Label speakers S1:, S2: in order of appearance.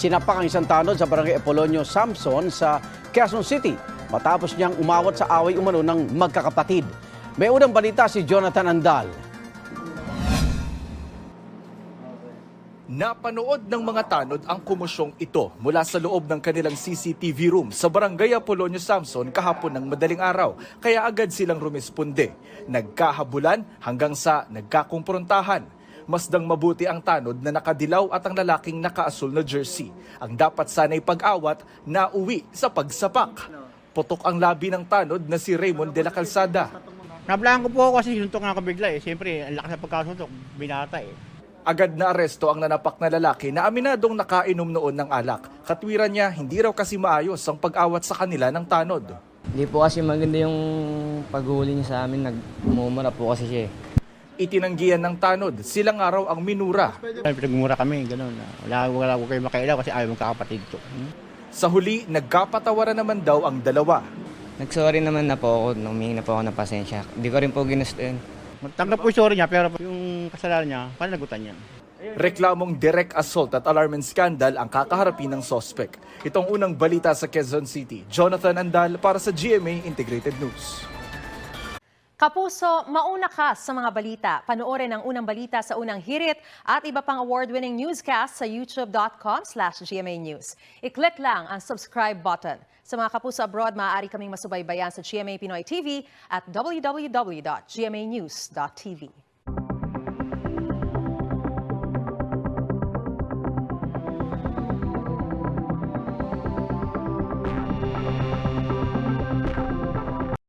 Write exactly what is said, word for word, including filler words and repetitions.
S1: Sinapak ang isang tanod sa barangay Apolonio Samson sa Quezon City matapos niyang umawat sa away umano ng magkakapatid. May unang balita si Jonathan Andal.
S2: Napanood ng mga tanod ang kumosyong ito mula sa loob ng kanilang C C T V room sa barangay Apolonio Samson kahapon ng madaling araw, kaya agad silang rumisponde. Nagkahabulan hanggang sa nagkakumprontahan. Masdang mabuti ang tanod na nakadilaw at ang lalaking nakaasul na jersey. Ang dapat sana'y pag-awat na uwi sa pagsapak. Putok ang labi ng tanod na si Raymond de la Calzada.
S3: Nablaan ko po ako kasi suntok nga ako bigla eh. Siyempre, ang lakas na pagkasuntok, binata eh.
S2: Agad na aresto ang nanapak na lalaki na aminadong nakainom noon ng alak. Katwiran niya, hindi raw kasi maayos ang pag-awat sa kanila ng tanod.
S4: Hindi po kasi maganda yung paghuli niya sa amin, nagmumura po kasi siya eh.
S2: Itinanggihan ng tanod, silang araw ang minura.
S3: Pinagmura kami, gano'n. Wala, wala ko kayo makailaw kasi ayaw mong kakapatid ko. Hmm?
S2: Sa huli, nagkapatawaran naman daw ang dalawa.
S4: Nagsorry naman na po ako, humingi na po ako ng pasensya. Hindi ko rin po ginusto yun.
S3: Tanggap ko yung sorry niya, pero yung kasalanan niya, pananagutan niya.
S2: Reklamong direct assault at alarming scandal ang kakaharapin ng sospek. Itong unang balita sa Quezon City. Jonathan Andal para sa G M A Integrated News.
S5: Kapuso, mauna ka sa mga balita. Panoorin ang unang balita sa unang hirit at iba pang award-winning newscast sa youtube.com slash GMA News. I-click lang ang subscribe button. Sa mga kapuso abroad, maaari kaming masubaybayan sa G M A Pinoy T V at w w w dot g m a news dot t v.